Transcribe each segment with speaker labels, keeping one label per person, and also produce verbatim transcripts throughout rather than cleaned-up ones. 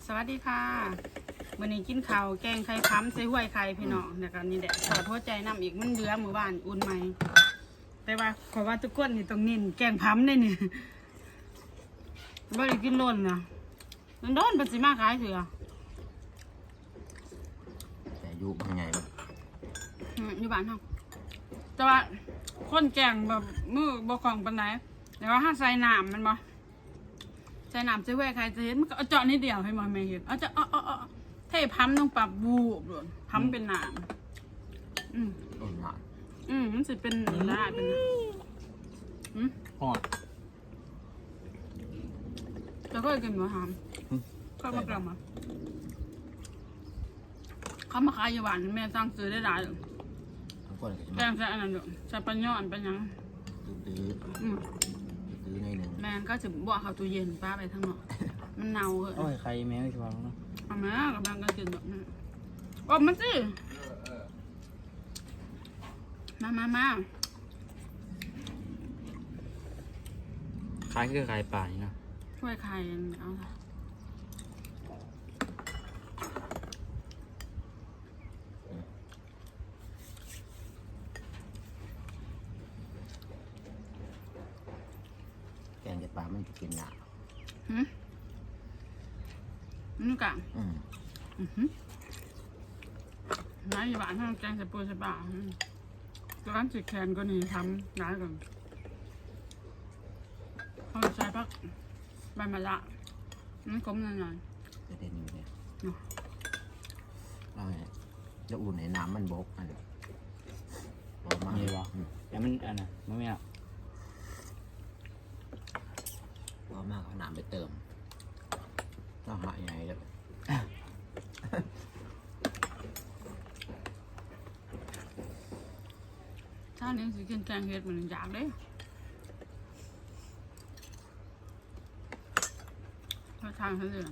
Speaker 1: สวัสดีค่ะวันนี้กินข้าวแกงไข่ค้ำใส่ห้วยไข่พี่น้องเดี๋ยวกันนี่แหละสอดหัวใจน้ำอีกมันเดือมือบ้านอุ่นไหมแต่ว่าขอว่าทุกคนนี่ต้องนินแกงพั้มได้เนี่ยบ่ได้กินล้นนะมันโดนปัจจิมาขายเถื่อ
Speaker 2: แต่อยู่บางไงแบบ
Speaker 1: อืมอยู่บ้านเขาแต่ว่าคนแกงแบบมือบ่ของปานไหนแต่ว่าถ้าใส่น้ำมันบ่ใส่น้ำใส่ห้วยไข่จะเห็นมันก็เอาเจาะนิดเดียวให้มันไม่เห็นเอาจะเอาเอาเอาเทพั้มต้องปรับบูบเลยพั้มเป็นน้ำอืม
Speaker 2: ต้นหมาก
Speaker 1: อืมมันสิเป็นละเป็นอืม
Speaker 3: หอด
Speaker 1: แล้วก็กินหมูหามก็มากลับมาเขามาขายอยู่บ้านแม่สั่งซื้อได้หลายเลย
Speaker 2: ทั้งคนก็จะ
Speaker 1: แก
Speaker 2: มาง
Speaker 1: ใส่อันนั้นด้วยใส่ปัญญอนปัญญัง
Speaker 2: ตื้อ
Speaker 1: อืม
Speaker 2: ๆตื้อในหนึ่ง
Speaker 1: แม่ก็จะบอกเขาตู้เย็นป้าไปทั้งหมดมันเน่าเลย
Speaker 3: โอ้ยใครแมวชวงเนาะ
Speaker 1: เอาแม่กำลังก็กินแบบนี้ออกมาสิมามามา
Speaker 3: คล้ายคือคล้ายป่านี่นะ
Speaker 1: ช่วยใครเอาละ
Speaker 2: แกงเด็ดปลามันจะกินหนา
Speaker 1: หืมนี่กะ
Speaker 2: อืม
Speaker 1: อือหือน้าอยู่บ้านทำแกงใส่ปูใส่ปลาอืมร้านจิกแคนก็นี่ทำร้านก่อนเอาใส่พักใบมะระนั่นก้มหน่อย
Speaker 2: จะเด่นอยู่เนี่ย
Speaker 1: เนาะ
Speaker 2: เราเนี่ยจะอุ่นในน้ำมันบกอันนี้พอมา
Speaker 3: มีวะ
Speaker 2: อืม
Speaker 3: แต่มันอันน่ะมันไม่เอา
Speaker 2: พอมากเอาน้ำไปเติมต้องหายังไงแล้ว
Speaker 1: ๆถ้าเลี้ยงสิกินแกงเห็ดเหมือนอยากเด้ถ้าทางเขาเลย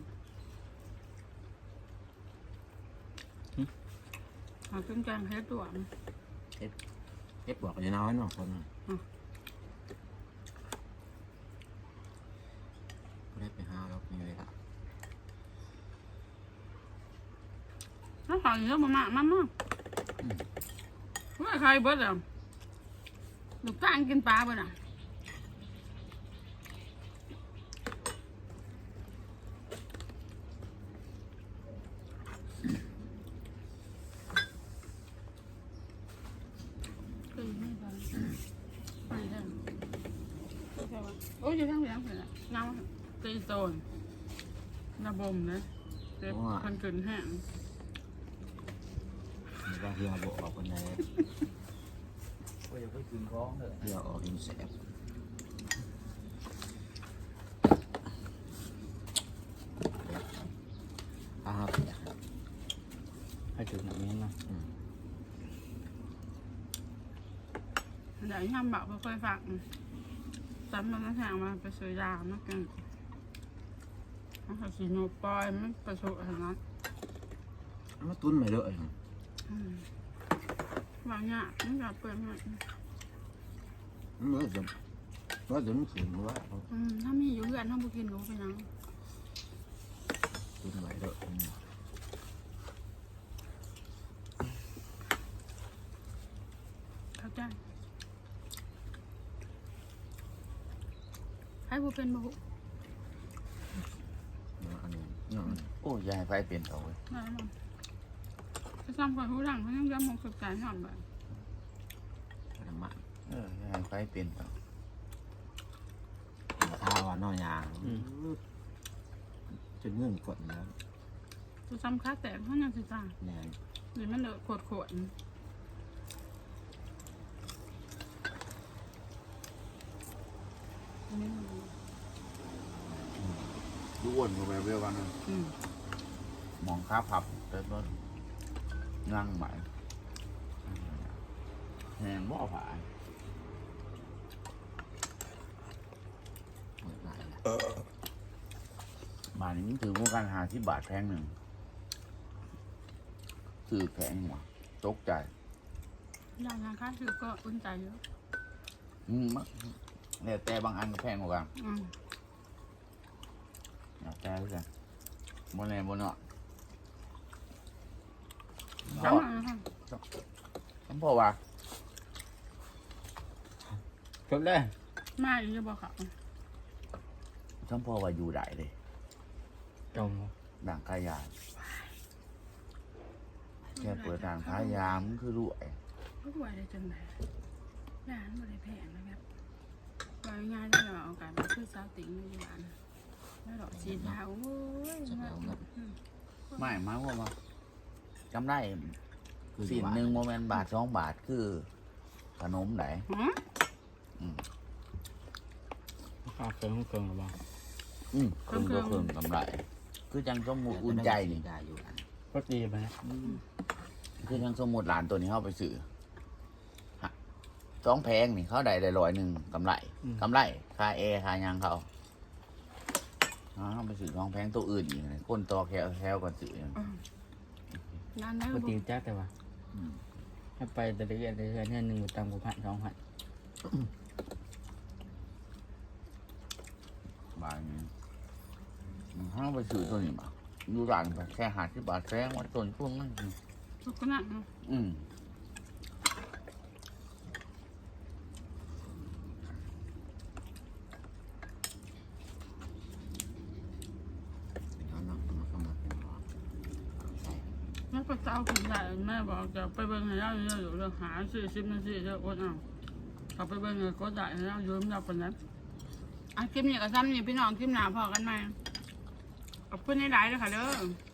Speaker 1: เอากินแกงเห็ดตัว
Speaker 2: เอ็ดบอกจะน้อยหน่อยคนน่ะก็ได้ไปหาแล้วมีเวลา
Speaker 1: ถ้าขายเยอะมากๆมันมากว่าใครเบิดอ่ะลูกจ้างกินปลาเบิดอ่ะโอ้ยจะทั้งเลี้ยงเลยเงาตีโซนระบมเลยเจ็บพันเกินแห้ง
Speaker 2: หรือว่าเฮียบอกออกคนไหน
Speaker 3: โอ้ยอย่าไปกินของเถอะ
Speaker 2: เฮียออกหินแสบอ้าวเปียก
Speaker 3: ให้ถึงหนังนี้นะ
Speaker 2: อืม
Speaker 1: เดี๋ยวทำแบบค่อยๆฝักซ้ำมันน้ำแข็งมาไปซื้อยามากินถ้าสีโนปอยมันประสบอะไรนะ
Speaker 2: เอามาตุ้นไม่เลอะ
Speaker 1: วางเนี่ยมันจะเปิดมัน
Speaker 2: เมื่อจะเมื่อจะมันขืนว่า
Speaker 1: อืมถ้ามีอยู่เพื่อนถ้าบุกินก็เป็นยัง
Speaker 2: ตุ้นไม่เลอะอืม
Speaker 1: เข้าใจให้บุเป็นบุ
Speaker 2: เอาอันนี้เอาอันนี้
Speaker 3: โอ้ยยายไฟเปลี่ยนต่อเลย
Speaker 1: ได้หรอจะทำก่อนทุกหลังเขายังย้ำมองสุดใจหอมแบบ
Speaker 2: เอาน้ำมัน
Speaker 3: เออยายไฟเปลี่ยนต่อ
Speaker 2: เอาข้าวอ่ะนอยางจนเงื่อนกดแล้ว
Speaker 1: จะซ้ำค่าแตกเขายังสิจ้า
Speaker 2: แนน
Speaker 1: หรือมันเดือดขวดขวด
Speaker 3: ดูอ้วนกว่าแบบเดียวกันนะ
Speaker 1: อืม
Speaker 3: มองค้าผับแต่ต้นนั่งใหม่แหงบ่อผาย
Speaker 2: หมดหลายแล้ว
Speaker 3: บาทนี้มันถือว่าการหาที่บาทแพงหนึ่งซื้อแพงหัวตกใจ
Speaker 1: อย่างงานค่าคือก็อุ่นใจเยอะ
Speaker 3: อืมมันแล้วแต่บางอันก็แพงกว่ากัน
Speaker 1: อืม
Speaker 3: แล้วแต่เพื่อนบนแหนบนเนาะ
Speaker 1: เอามาค่ะ
Speaker 3: ฉันพอว่า
Speaker 2: จบเลย
Speaker 1: มาอยู่จะบอกเขา
Speaker 3: ฉันพอว่าอยู่ได้เลย
Speaker 2: จม
Speaker 3: ด่างกายานแค่เปิดด่างขายามนคือรวย
Speaker 1: ก็รวยได้จังไหนร้านบริแพงนะครับรายงานที่เราเอาการมาซื้อซาวติ๋งในร้านแล้วดอกสีดาวโอ้ย
Speaker 2: จะไปเอาเงิน
Speaker 3: ไม่หมายความว่าจำได้
Speaker 2: คือ
Speaker 3: สิ่งหนึ่งโมเมนต์บาทสองบาทคือขนมไหน
Speaker 1: หืม
Speaker 2: ข้าวเครื่องเครื่องหรือเปล่า
Speaker 3: อืมเครื่องก็เครื่องกำไร คือจังสมมุติอุ่นใจนี่
Speaker 2: ได้อยู่อันก็ดีไปนะ
Speaker 3: คือจังสมมุติหลานตัวนี้เข้าไปซื้อฮะสองแพงนี่เขาได้ได้ร้อยหนึ่งกำไรกำไรค่าแอร์ค่าหยังเขาอ๋อเขาไปซื้อสองแพงตัวอื่นอีกเลยคนต่อแคลแคลก่อนซื้อ
Speaker 1: ร้านนั้น
Speaker 2: ก็ดีจ้าแต่ว่าให้ไปแต่ละเดือนแต่ละเดือนเนี่ยหนึ่งตังกูพันสองพัน
Speaker 3: บาทนี้เขาไปซื้อตัวนี้มาดูร้านไปแค่หาที่บาทแพงว่าต้นพวกนั้น
Speaker 1: ทุกคนน่ะ
Speaker 3: อืม
Speaker 2: เอาเนาะเอาเข้ามาเป็นหอใส่
Speaker 1: แม่ก็เจ้าคุณใหญ่แม่บอกจะไปเบิ่งให้เราเยอะอยู่เรื่องหาสี่สิบนาทีเจะอดเอาเขาไปเบิ่งเลยก็ได้ให้เรายืมเราคนนั้นอ่ะคลิปนี้ก็ซ้ำนี่พี่น้องคลิปหนาพอกันไหมขอบคุณในไลน์เลยค่ะเด้อ